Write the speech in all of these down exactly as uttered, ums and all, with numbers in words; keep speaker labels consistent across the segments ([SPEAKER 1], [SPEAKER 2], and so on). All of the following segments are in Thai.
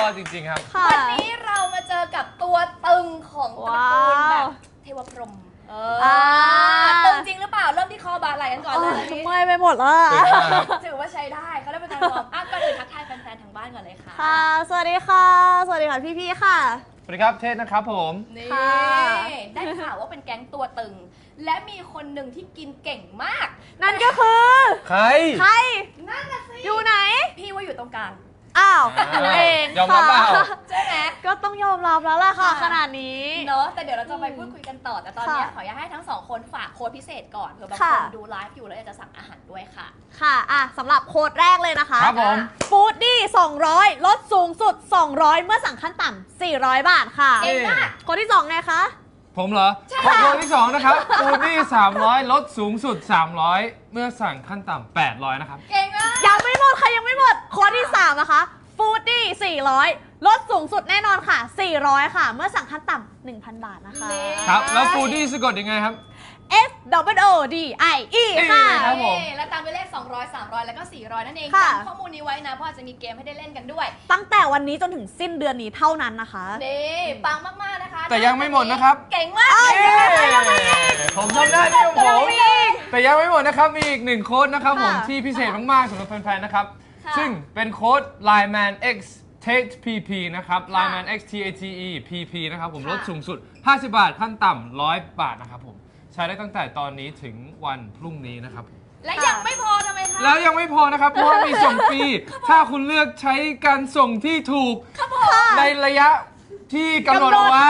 [SPEAKER 1] อดจริงๆครับ
[SPEAKER 2] วันนี้เรามาเจอกับตัวตึงของตระกูลแบบเทวพรหมเออตึงจริงหรือเปล่าเริ่มที่คอบาไหลกันก่อนเลย
[SPEAKER 3] เมื่อยไปหมดแล้ว
[SPEAKER 2] ถือว่าใช้ได้เขาได้เป็นการวอร์มอัพก็เลยทักทายแฟนๆทางบ้านก่อนเลยค่ะ
[SPEAKER 3] ค่ะสวัสดีค่ะสวัสดีค่ะพี่ๆค่ะ
[SPEAKER 1] สวัสดีครับเทศนะครับผม
[SPEAKER 2] นี่ได้ข่าวว่าเป็นแก๊งตัวตึงและมีคนหนึ่งที่กินเก่งมาก
[SPEAKER 3] นั่นก็คือ
[SPEAKER 1] ใคร
[SPEAKER 3] ใคร
[SPEAKER 2] นั่นน่ะสิ
[SPEAKER 3] อยู่ไหน
[SPEAKER 2] พี่ว่าอยู่ตรงกลาง
[SPEAKER 3] อ้าวอยู่เอง
[SPEAKER 1] ยอมรับเปล่า
[SPEAKER 2] ใช่ไหม
[SPEAKER 3] ก็ต้องยอมรับแล้วล่ะค่ะขนาดนี้
[SPEAKER 2] เนอะแต่เดี๋ยวเราจะไปพูดคุยกันต่อแต่ตอนนี้ขออยากให้ทั้งสองคนฝากโค้ดพิเศษก่อนเผื่อบางคนดูไลฟ์อยู่แล้วอยากจะสั่งอาหารด้วยค่ะ
[SPEAKER 3] ค่ะอ่ะสำหรับโค้ดแรกเลยนะคะ
[SPEAKER 1] ครับผม
[SPEAKER 3] ฟู้ดดี้สองร้อยลดสูงสุดสองร้อยเมื่อสั่งขั้นต่ำสี่ร้อยบาทค่ะ
[SPEAKER 2] เก่งมาก
[SPEAKER 3] โค้ดที่สองไงคะ
[SPEAKER 1] ผมเหรอขอโค้ดที่สองนะครับฟูดดี้สามร้อยลดสูงสุดสามร้อยเมื่อสั่งขั้นต่ำแปดร้อยนะครับ
[SPEAKER 2] เก่งมาก
[SPEAKER 3] ยังไม่หมดค่ะยังไม่หมดโค้ดที่สามนะคะฟูดดี้สี่ร้อยลดสูงสุดแน่นอนค่ะสี่ร้อยค่ะเมื่อสั่งขั้นต่ำ หนึ่งพัน บาทนะคะ
[SPEAKER 1] ครับแล้วฟูดดี้สะกดยังไงครับ
[SPEAKER 3] F W O D I E ค่ะ
[SPEAKER 1] ครับผม
[SPEAKER 2] แล้วตามไปเลขสองร้อย สามร้อยแล้วก็สี่ร้อยนั่นเองจำข้อมูลนี้ไว้นะเพราะจะมีเกมให้ได้เล่นกันด้วย
[SPEAKER 3] ตั้งแต่วันนี้จนถึงสิ้นเดือนนี้เท่านั้นนะคะ
[SPEAKER 2] นี่ปังมากๆนะคะ
[SPEAKER 1] แต่ยังไม่หมดนะครับ
[SPEAKER 2] เก่งมาก
[SPEAKER 1] ผมทำได้ที่ของผมแต่ยังไม่หมดนะครับมีอีกหนึ่งโค้ดนะครับผมที่พิเศษมากๆสำหรับแฟนๆนะครับซึ่งเป็นโค้ด ไลน์ แมน X เท พี พี นะครับ ไลน์ แมน X T A T E พี พี นะครับผมลดสูงสุดห้าสิบบาทขั้นต่ำหนึ่งร้อยบาทนะครับผมใช้ได้ตั้งแต่ตอนนี้ถึงวันพรุ่งนี้นะครับ
[SPEAKER 2] และยังไม่พอทำไมคะ
[SPEAKER 1] แล้วยังไม่พอนะครับเพราะว่ามีส่งฟรีถ้าคุณเลือกใช้การส่งที่ถูกในระยะที่กำหนดเอาไว้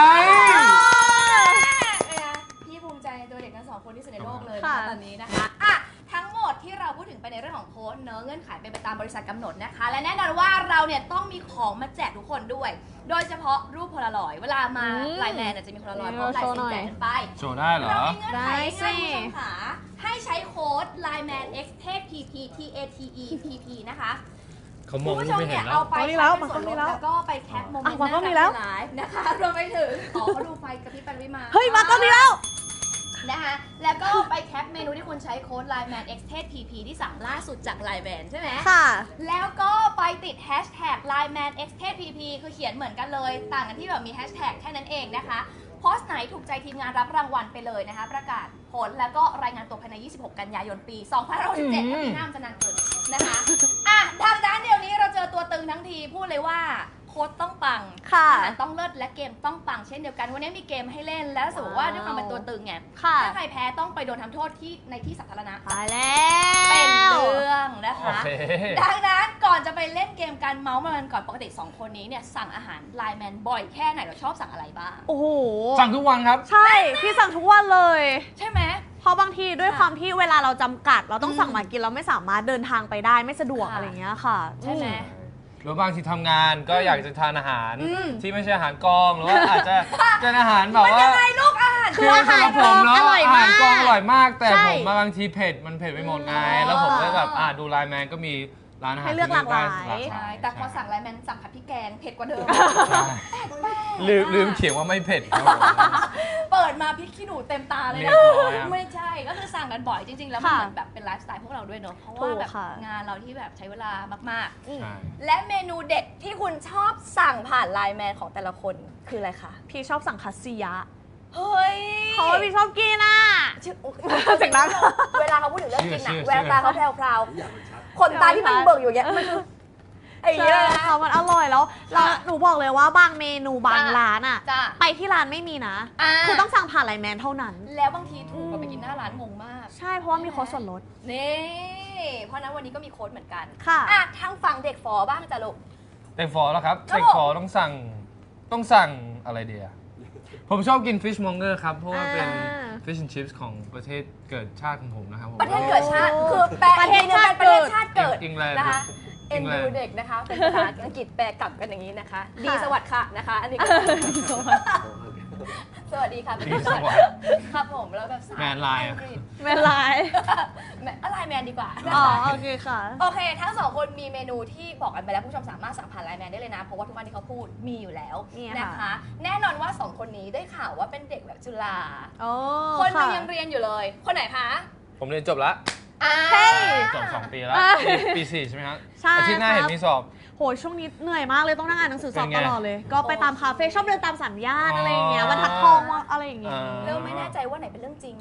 [SPEAKER 2] พี่ภูมิใจในตัวเด็กทั้งสองคนที่สุดในโลกเลยตอนนี้นะคะอ่ะทั้งหมดที่เราพูดถึงไปในเรื่องของโค้ดเนื้อเงื่อนไขเป็นไปตามบริษัทกำหนดนะคะและแน่นอนว่าเราเนี่ยต้องมีของมาแจกทุกคนด้วยโดยเฉพาะรูปโพลารอยด์เวลามาไลน์แมนจะมีโพลารอยด์พร้อมลายเซ็นแจกกันไป
[SPEAKER 1] โชว์ได้เหรอ
[SPEAKER 2] เรามีเงื่อนไขให้คุณผู้ชมค่ะให้ใช้โค้ด ไลน์ แมน X เท พี พี T A T E พี พี นะคะ
[SPEAKER 1] เขามองไม่เห็นแล้ว
[SPEAKER 2] เอาไปใช้เป็นส่วนลดแล้วก็ไปแคปโมเมนต์นั้นในไลฟ์นะคะรวมไปถึงอ๋อเขาดูไฟกระพริบไปวิมา
[SPEAKER 3] เฮ้ยมาก็มีแล้ว
[SPEAKER 2] นะคะแล้วก็ไปแคปเมนูที่คุณใช้โค้ด ไลน์ แมน X เท พี พี ที่สั่งล่าสุดจากไลน์แมนใช่ไหม
[SPEAKER 3] ค่ะ
[SPEAKER 2] แล้วก็ไปติดแฮชแท็ก ไลน์ แมน X เท พี พี คือเขียนเหมือนกันเลยต่างกันที่แบบมีแฮชแท็กแค่นั้นเองนะคะโพสต์ไหนถูกใจทีมงานรับรางวัลไปเลยนะคะประกาศผลแล้วก็รายงานตัวภายในยี่สิบหกกันยายนปีสองพันห้าร้อยหกสิบเจ็ดปีหน้าจะนานเกินนะคะอ่ะทางด้านเดียวนี้เราเจอตัวตึงทั้งทีพูดเลยว่าโค้ดต้องปัง
[SPEAKER 3] ค่ะ
[SPEAKER 2] ต้องเลิศและเกมต้องปังเช่นเดียวกันวันนี้มีเกมให้เล่นแล้วสมมติว่าด้วยความเป็นตัวตึงไงถ้าใครแพ้ต้องไปโดนทำโทษที่ในที่สาธารณะ
[SPEAKER 3] ตายแล้ว
[SPEAKER 2] เป็นเรื่องนะคะดังนั้นก่อนจะไปเล่นเกมการเมาส์มันก่อนปกติสองคนนี้เนี่ยสั่งอาหารไลน์แมนบ่อยแค่ไหนเราชอบสั่งอะไรบ้าง
[SPEAKER 3] โอ้โห
[SPEAKER 1] สั่งทุกวันครับ
[SPEAKER 3] ใช่พี่สั่งทุกวันเลย
[SPEAKER 2] ใช่ไหม
[SPEAKER 3] เพราะบางทีด้วยความที่เวลาเราจำกัดเราต้องสั่งมากินเราไม่สามารถเดินทางไปได้ไม่สะดวกอะไรเงี้ยค่ะ
[SPEAKER 2] ใช่ไหม
[SPEAKER 1] หรือบางทีทำงานก็อยากจะทานอาหารที่ไม่ใช่อาหารกองหรือว่าอาจจะเป็นอาหารแบบว่า
[SPEAKER 2] ยังไงลูกอาหาร
[SPEAKER 3] คืออาหารกองอร่อยมาก
[SPEAKER 1] อาหารกองอร่อยมากแต่ผมบางทีเผ็ดมันเผ็ดไปหมดไงแล้วผมก็แบบอ่าดูไลน์แมนก็มีร้านอาหาร
[SPEAKER 3] ให้เลือกหลากหลาย
[SPEAKER 2] ใช่แต่พอสั่งไลน์แมนสั่งผัดพริกแกงเผ็ดกว่าเดิม
[SPEAKER 1] ลืมลืมเขียนว่าไม่เผ็ด
[SPEAKER 2] เปิดมาพริกขี้หนูเต็มตาเลยนะไม่ใช่ก็คือสั่งกันบ่อยจริงๆแล้วมันเหมือนแบบเป็นไลฟ์สไตล์พวกเราด้วยเนอะเพราะว่าแบบงานเราที่แบบใช้เวลามากๆและเมนูเด็ดที่คุณชอบสั่งผ่านไลน์แมนของแต่ละคนคืออะไรคะ
[SPEAKER 3] พี่ชอบสั่งคัสซิยะ
[SPEAKER 2] เฮ้ย
[SPEAKER 3] เพราะว่าพี่ชอบกินอ่ะ
[SPEAKER 2] จากนั้นเวลาเขาพูดถึงเรื่องกินอ่ะแววตาเขาแพรวๆคนตาที่มันเบิกอยู่เงี้ยมันคือไอ้เหี้ย
[SPEAKER 3] ค่ะมันอร่อยแล้วเราหนูบอกเลยว่าบางเมนูบางร้านอ่ะไปที่ร้านไม่มีนะคือต้องสั่งผ่านไลน์แมนเท่านั้น
[SPEAKER 2] แล้วบางทีถูกกว่าไปกินหน้าร้านงงมาก
[SPEAKER 3] ใช่เพราะว่ามีโค้ดส่วนลด
[SPEAKER 2] นี่เพราะนั้นวันนี้ก็มีโค้ดเหมือนกัน
[SPEAKER 3] ค่ะ
[SPEAKER 2] อ่ะทางฝั่งเด็กฟอบ้างจ้ะลูก
[SPEAKER 1] เด็กฟอแล้วครับเด็กฟอต้องสั่งต้องสั่งอะไรเดียผมชอบกิน fish monger ครับเพราะว่าเป็น fish and chips ของประเทศเกิดชาติของผมนะครับ
[SPEAKER 2] ประเทศเกิดชาติคือแปลประเทศชาติเกิดประเทศชาติเกิดนะคะเอ็นดูเด็กนะคะเป็นภาษาอังกฤษแปลกลับกันอย่างนี้นะคะดีสวัสดิ์ค่ะนะคะอันนี้สวัสดีค่ะเป็นสวัสดิ์ครับผมแล้วแบบ
[SPEAKER 1] แมนไลน์
[SPEAKER 3] แมนไลน์
[SPEAKER 2] อะไรแมนดีกว่า
[SPEAKER 3] อ๋อโอเคค่ะ
[SPEAKER 2] โอเคทั้งสองคนมีเมนูที่บอกกันไปแล้วผู้ชมสามารถสั่งผ่านไลน์แมนได้เลยนะเพราะว่าทุกวันที่เขาพูดมีอยู่แล้วนะคะแน่นอนว่าสองคนนี้ได้ข่าวว่าเป็นเด็กแบบจุฬาคนนึงยังเรียนอยู่เลยคนไหนคะ
[SPEAKER 1] ผมเรียนจบแล้ว
[SPEAKER 2] อ่า
[SPEAKER 3] เฮ้ย
[SPEAKER 1] จบสองปีแล้ว
[SPEAKER 3] อ่ะ
[SPEAKER 1] ปีปีสี่ใช่ไหมครับ
[SPEAKER 3] ใช่
[SPEAKER 1] อาทิตย์หน้า
[SPEAKER 3] ครับ
[SPEAKER 1] เห็นมีสอบ
[SPEAKER 3] โหยช่วงนี้เหนื่อยมากเลยต้องนั่งอ่านหนังสือสอบ
[SPEAKER 1] เป็นไง
[SPEAKER 3] ตลอดเลย ก็ไปตามคาเฟ่ชอบเดินตามสัญญาณ
[SPEAKER 1] อ๋ออ
[SPEAKER 3] อะไรอย่างเงี้ยบรรทัดทองว่าอะไรอย่างเงี้ย
[SPEAKER 1] อ่า
[SPEAKER 2] เริ่มไม่แน่ใจว่าไหนเป็นเรื่องจริง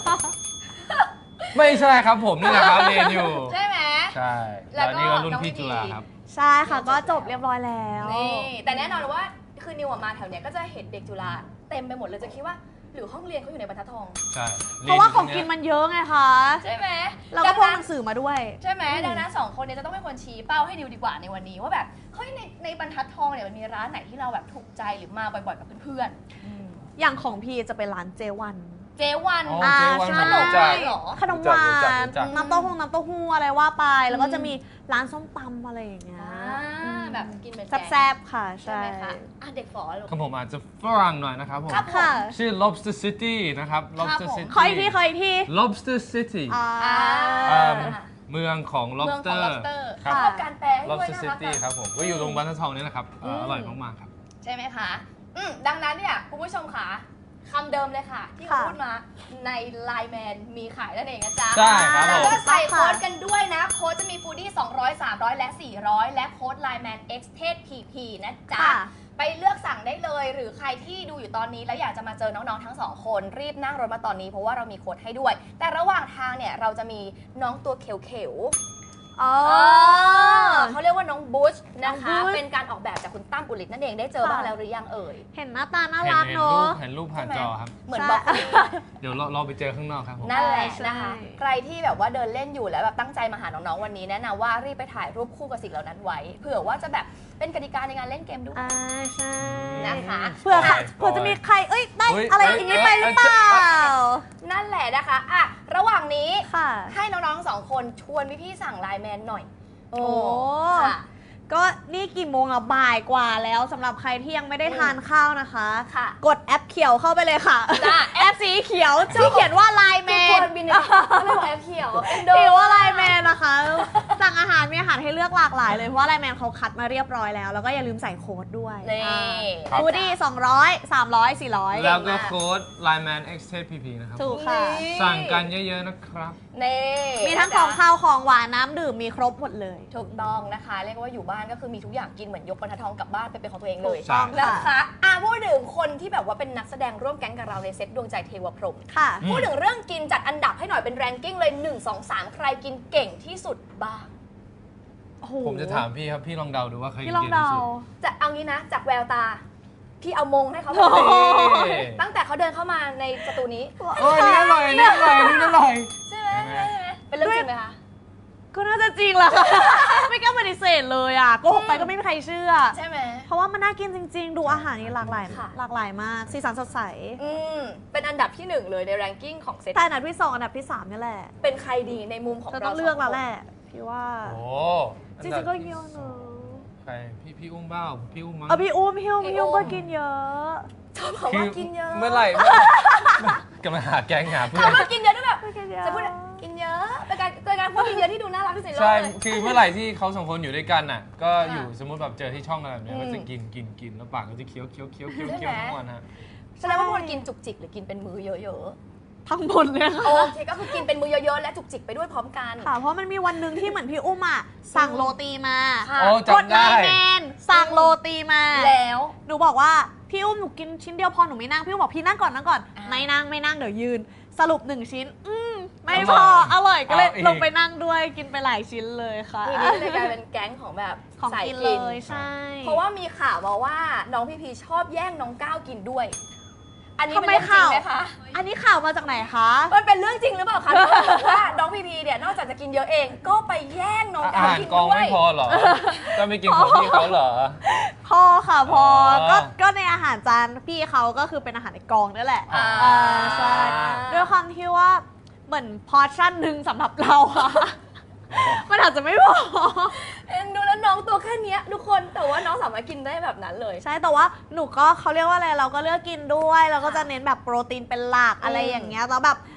[SPEAKER 1] ไม่ใช่ครับผมนี่แหละครับเรียนอยู่
[SPEAKER 2] ใช่ไหม
[SPEAKER 1] ใช่
[SPEAKER 2] แล้
[SPEAKER 1] แล้ว
[SPEAKER 2] วก็
[SPEAKER 1] นี่ก็รุ่น
[SPEAKER 2] น้อง
[SPEAKER 1] พี่
[SPEAKER 2] พี
[SPEAKER 1] จุฬาครับ
[SPEAKER 3] ใช่ค่ะก็จบเรียบร้อยแล้ว
[SPEAKER 2] นี่แต่แน่นอนว่าคือนิวอะมาแถวเนี้ยก็จะเห็นเด็กจุฬาเต็มไปหมดเลยจะคิดว่าหรือห้องเรียนเขาอยู่ในบรรทัดทอง
[SPEAKER 1] ใช่
[SPEAKER 3] เพราะว่าของกินมันเยอะไงคะ
[SPEAKER 2] ใช่ไหม
[SPEAKER 3] เราก็พกหนังสือมาด้วย
[SPEAKER 2] ใช่ไหม
[SPEAKER 3] อืม
[SPEAKER 2] ดังนั้นสองคนเนี้จะต้องเป็นคนชี้เป้าให้ดิวดีกว่าในวันนี้ว่าแบบเฮ้ยในในบรรทัดทองเนี่ยมันมีร้านไหนที่เราแบบถูกใจหรือมาบ่อยๆกับเพื่อนๆ
[SPEAKER 3] อย่างของพี่จะเป็นร้านเจวัน
[SPEAKER 2] เจวัน
[SPEAKER 1] อ๋อ
[SPEAKER 3] อ่า
[SPEAKER 1] เจ๊วัน
[SPEAKER 3] ใช่
[SPEAKER 1] ผมรู้จัก
[SPEAKER 2] เหรอ
[SPEAKER 3] ขนมหวา
[SPEAKER 1] รู้จัก
[SPEAKER 3] น
[SPEAKER 1] รู้จัก
[SPEAKER 3] น้ำเต้าหู้น้ำเต้าหู้อะไรว่าไป แล้วก็
[SPEAKER 2] อืม
[SPEAKER 3] จะมีร้านส้มตำอะไรอย่างเงี้ย
[SPEAKER 2] อ่า
[SPEAKER 3] อืม
[SPEAKER 2] แบบกินเป็น
[SPEAKER 3] แซ่บๆค่ะ
[SPEAKER 2] ใช่
[SPEAKER 3] ใช่
[SPEAKER 2] ไหมคะอ่ะเด็กฝอลูก
[SPEAKER 1] ของผมอาจจะฝรั่งหน่อยนะครับผม
[SPEAKER 2] ครับ
[SPEAKER 3] ค่ะ
[SPEAKER 1] ชื่อ lobster city นะครับ lobster
[SPEAKER 2] ผม
[SPEAKER 1] city
[SPEAKER 3] ขออีกทีขออีกที
[SPEAKER 1] lobster city
[SPEAKER 3] อ่า
[SPEAKER 2] อ่า
[SPEAKER 1] อ่าเมืองของ
[SPEAKER 2] เมืองของ
[SPEAKER 1] lobster
[SPEAKER 2] lobster
[SPEAKER 1] ครับ
[SPEAKER 2] ชอบการแปลให้ด้วย
[SPEAKER 1] lobster
[SPEAKER 2] น่ารัก
[SPEAKER 1] city
[SPEAKER 2] อะ
[SPEAKER 1] ครับผมก็อยู่ตรงบรรทัดทองนี่แหละครับเอ่อ
[SPEAKER 2] อืม
[SPEAKER 1] อร่อยมากๆครับ
[SPEAKER 2] ใช่ไหมคะอืมดังนั้นเนี่ยคุณผู้ชมค่ะคำเดิมเลยค่ะ ที่เขา
[SPEAKER 3] ค่ะ
[SPEAKER 2] พูดมาใน ไลน์ แมน มีขายนั่นเองนะจ๊ะ
[SPEAKER 1] ใช่ครับ
[SPEAKER 2] แล้ว
[SPEAKER 1] ผม
[SPEAKER 2] ก็ใส่โค้ดกันด้วยนะ โค้ดจะมีฟูดี้สองร้อย สามร้อย และ สี่ร้อย และโค้ด ไลน์ แมน X เทส พี พี นะจ๊ะ
[SPEAKER 3] ค่ะ
[SPEAKER 2] ไปเลือกสั่งได้เลย หรือใครที่ดูอยู่ตอนนี้แล้วอยากจะมาเจอน้องๆทั้งสองคน รีบนั่งรถมาตอนนี้เพราะว่าเรามีโค้ดให้ด้วย แต่ระหว่างทางเนี่ยเราจะมีน้องตัวเขียวๆ
[SPEAKER 3] อ๋อ
[SPEAKER 2] เออเขาเรียกว่าน้องบูชนะคะ
[SPEAKER 3] น้องบูช
[SPEAKER 2] เป็นการออกแบบจากคุณตั้มอุลิตนั่นเองได้เจอ
[SPEAKER 3] ค่ะ
[SPEAKER 2] บ้างแล้วหรือยังเอ่ย
[SPEAKER 3] เห็นหน้าตาน่า
[SPEAKER 1] เห็น
[SPEAKER 3] รัก
[SPEAKER 1] เห็น
[SPEAKER 3] เน
[SPEAKER 1] รู
[SPEAKER 3] อะ
[SPEAKER 1] ปเห็นรูปผ่านจอครับ
[SPEAKER 2] เหมือน
[SPEAKER 3] ใช่
[SPEAKER 2] บล็อกโคลี
[SPEAKER 1] เดี๋ยวเราเราไปเจอข้างนอกครับผม
[SPEAKER 2] นั่นแหละ
[SPEAKER 3] ใช่
[SPEAKER 2] นะคะ ใครที่แบบว่าเดินเล่นอยู่แล้วแบบตั้งใจมาหาน้องๆวันนี้แนะนำว่ารีบไปถ่ายรูปคู่กับสิ่งเหล่านั้นไว้ เผื่อว่าจะแบบเป็นกติกาในงานเล่นเกมด้วย
[SPEAKER 3] อ่าใช่
[SPEAKER 2] นะคะ
[SPEAKER 3] เผื่อค่ะ
[SPEAKER 1] ปล่อย
[SPEAKER 3] เผื่อจะมีใคร เอ้ย ได้
[SPEAKER 1] เฮ้ย
[SPEAKER 3] อะไร
[SPEAKER 1] เอ้ย
[SPEAKER 3] อย่างนี้ไปหรือเปล่า
[SPEAKER 2] นั่นแหละนะคะอ่ะระหว่างนี้
[SPEAKER 3] ค่ะ
[SPEAKER 2] ให้น้องๆสองคนชวนพี่ๆสั่งไลน์แมนหน่อย
[SPEAKER 3] โอ้
[SPEAKER 2] ค่ะ
[SPEAKER 3] ก็นี่กี่โมงอะบ่ายกว่าแล้วสำหรับใครที่ยังไม่ได้ทานข้าวนะคะ
[SPEAKER 2] ค่ะ
[SPEAKER 3] กดแอปเขียวเข้าไปเลยค่ะ
[SPEAKER 2] จ้ะ
[SPEAKER 3] แอปสีเขียวที่เขียนว่าไลน์แม
[SPEAKER 2] ทุก
[SPEAKER 3] น
[SPEAKER 2] คนบินเนี่ยไม่บอกแอปเขียวเอ็นโด
[SPEAKER 3] เขียนว่าไลน์แมนนะคะ สั่งอาหารมีอาหารให้เลือกหลากหลายเลย เพราะว่าไลน์แมนเขาคัดมาเรียบร้อยแล้ว แล้วก็อย่าลืมใส่โค้ดด้วย
[SPEAKER 2] นี่
[SPEAKER 1] ครับ
[SPEAKER 3] ฟูดี้สองร้อยสามร้อยสี่ร้อย
[SPEAKER 1] แล้วก็โค้ด ไลน์ แมน X เทส พี พี นะครับ
[SPEAKER 3] ถูกค่ะ
[SPEAKER 2] นี่
[SPEAKER 1] สั่งกันเยอะๆนะครับ
[SPEAKER 2] นี่
[SPEAKER 3] มีทั้งของข้าวของหวานน้ำดื่มมีครบหมดเลย
[SPEAKER 2] ถูกต้องนะคะ เรียกว่าอยู่บ้านก็คือมีทุกอย่างกินเหมือนยกบรรทัดทองกลับบ้านไปเป็นของตัวเองเลย
[SPEAKER 3] ถูกต้อง
[SPEAKER 2] นะ
[SPEAKER 3] ค่ะ
[SPEAKER 2] คะอ่ะพูดถึงคนที่แบบว่าเป็นนักแสดงร่วมแก๊งกับเราในเซตดวงใจเทวพรหม
[SPEAKER 3] ค่ะ
[SPEAKER 1] อืม
[SPEAKER 2] พูดถึงเรื่องกินจัดอันดับให้หน่อยเป็นแรงกิ้งเลยหนึ่ง สอง สามใครกินเก่งที่สุดบ้าง
[SPEAKER 3] โอ้โห
[SPEAKER 1] ผมจะถามพี่ครับ พี่ลองเดาดูว่าใครกิ
[SPEAKER 3] พี่
[SPEAKER 1] น
[SPEAKER 3] ลอง
[SPEAKER 1] เก่ง
[SPEAKER 3] เดา
[SPEAKER 1] ที่สุด
[SPEAKER 2] จะเอางี้นะ จากแววตา พี่เอามงให้เขา
[SPEAKER 3] โอ้โห
[SPEAKER 2] ตั้งแต่เขาเดินเข้ามาในสตูนี้
[SPEAKER 1] โอ้ยอันนี่อร่อยอันนี่อร่อยอันนี่อร่อย
[SPEAKER 2] ใช่ไหมใช่ไหมเป็นเรื่องจริงไหมคะ
[SPEAKER 3] ก็น่าจะจริงแหละค่ะ ไม่กล้าปฏิเสธเลยอ่ะโกหกไปก็ไม่มีใครเชื่อ
[SPEAKER 2] ใช่ไหม
[SPEAKER 3] เพราะว่ามันน่ากินจริง ๆ ดูอาหารนี่หลากหลาย
[SPEAKER 2] ค่ะ
[SPEAKER 3] หลากหลายมาก สีสันสดใส
[SPEAKER 2] อืมเป็นอันดับที่หนึ่งเลยในแรงกิ้งของเซต
[SPEAKER 3] แต่อันดับที่สองอันดับที่สามนี่แหละ
[SPEAKER 2] เป็นใครดีในมุมของ
[SPEAKER 3] จะ
[SPEAKER 2] เรา
[SPEAKER 3] ต้องเลือกแล้วแหละ พี่ว่า
[SPEAKER 1] โอ้
[SPEAKER 3] จริงๆก็เยอะเนอะ
[SPEAKER 1] ใครพี่พี่อุ้มเบ้าพี่อุ้มมั้ง
[SPEAKER 3] เออพี่อุ้มพี่อุ้มพี่อุ้มก็กินเยอะ
[SPEAKER 2] ชอบบอกว่ากินเยอะ
[SPEAKER 1] เมื่อไหร่กำลังหาแก๊งหาเพื่อน
[SPEAKER 2] คำว่ากินเยอะด้วยแบบ
[SPEAKER 3] กินเยอะ
[SPEAKER 2] จะพูดกินเยอะเป็นการเป็นการพูดกินเยอะที่ดูน่ารักที่สุดในโลก
[SPEAKER 1] ใช่
[SPEAKER 2] เลย
[SPEAKER 1] คือเมื่อไหร่ที่เขาสองคนอยู่ด้วยกันน่ะ ก็
[SPEAKER 2] ค่ะ
[SPEAKER 1] อยู่สมมติแบบเจอที่ช่องอะไรแบบเนี้ย
[SPEAKER 2] อืม
[SPEAKER 1] ก็จะกินกินกินแล้วปากก็จะเคี้ยวเคี้ยวเคี้ยวเคี้ยว
[SPEAKER 2] ใช่ไหม
[SPEAKER 1] เคี้ยวทั้งวันฮะ
[SPEAKER 2] แสดงว่าคนกินจุกจิกหรือกินเป็นมื้อเยอะ
[SPEAKER 3] ทั้งหมดเลย
[SPEAKER 2] ๆ
[SPEAKER 3] ค่ะ
[SPEAKER 2] โอเคก็คือกินเป็นมื้อเยอะๆและจุกจิกไปด้วยพร้อมกัน
[SPEAKER 3] ค่ะ เพราะมันมีวันหนึ่งที่เหมือนพี่อุ้มอ่ะสั่งโรตีมา
[SPEAKER 2] ค่ะ
[SPEAKER 1] โอ้
[SPEAKER 3] กด
[SPEAKER 1] จำ
[SPEAKER 3] ไล
[SPEAKER 1] ได้
[SPEAKER 3] น์แมนสั่งโรตีมา
[SPEAKER 2] แล้ว
[SPEAKER 3] หนูบอกว่าพี่อุ้มหนูกินชิ้นเดียวพอหนูไม่นั่งพี่อุ้มบอกพี่นั่งก่อนนั่งก่อน
[SPEAKER 2] อ่า
[SPEAKER 3] ไม่นั่งไม่นั่งเดี๋ยวยืน สรุปหนึ่งชิ้น อืมไม่
[SPEAKER 1] อ
[SPEAKER 3] พ
[SPEAKER 1] ร่
[SPEAKER 3] อ
[SPEAKER 1] อย
[SPEAKER 3] อร่อยก็เลย
[SPEAKER 1] เอาอีก
[SPEAKER 3] ลงไปนั่งด้วยกินไปหลายชิ้นเลยค่ะ
[SPEAKER 2] ทีนี้เลยกลายเป็นแก๊งของแบบ
[SPEAKER 3] ของ
[SPEAKER 2] สาย
[SPEAKER 3] กิน
[SPEAKER 2] กิ
[SPEAKER 3] เล
[SPEAKER 2] น
[SPEAKER 3] ยใช่
[SPEAKER 2] เพราะว่ามีข่าวมาว่าน้องพีพีชอบแย่งน้องก้าวกินด้วย อันนี้
[SPEAKER 3] ทำ
[SPEAKER 2] เป็น
[SPEAKER 3] ไม
[SPEAKER 2] เรื่องจริ
[SPEAKER 3] ข่าง ว
[SPEAKER 2] ไหมคะ
[SPEAKER 3] อันนี้ข่าวมาจากไหนคะ
[SPEAKER 2] มันเป็นเรื่องจริงหรือเปล่าคะทุกคนบอกว่าน้องพีพีเนี่ยนอกจากจะกินเยอะเอง ก็ไปแย่งน้อง
[SPEAKER 1] อา
[SPEAKER 2] ก้าว
[SPEAKER 1] หาร
[SPEAKER 2] กิน
[SPEAKER 1] กอง
[SPEAKER 2] ด้วย
[SPEAKER 1] ไม่พอเหรอ ก็ไม่กินของพี่เขาเหรอ
[SPEAKER 3] พอค่ะพอ
[SPEAKER 1] อ๋อ
[SPEAKER 3] ก็ก็ในอาหารจานพี่เขาก็คือเป็นอาหารในกองนั่นแหละ
[SPEAKER 2] อ่า
[SPEAKER 3] อ่าใช่ด้วยความที่ว่าเหมือนพอร์ชั่นหนึ่งสำหรับเราอะมันอาจจะไม่พอ
[SPEAKER 2] เอ็นดูแล้วน้องตัวแค่เนี้ยทุกคนแต่ว่าน้องสามารถกินได้แบบนั้นเลย
[SPEAKER 3] ใช่แต่ว่าหนูก็เขาเรียกว่าอะไรเราก็เลือกกินด้วยเราก็จะเน้นแบบโปรตีนเป็นหลักอะไรอย่างเงี้ยแล้วแบบ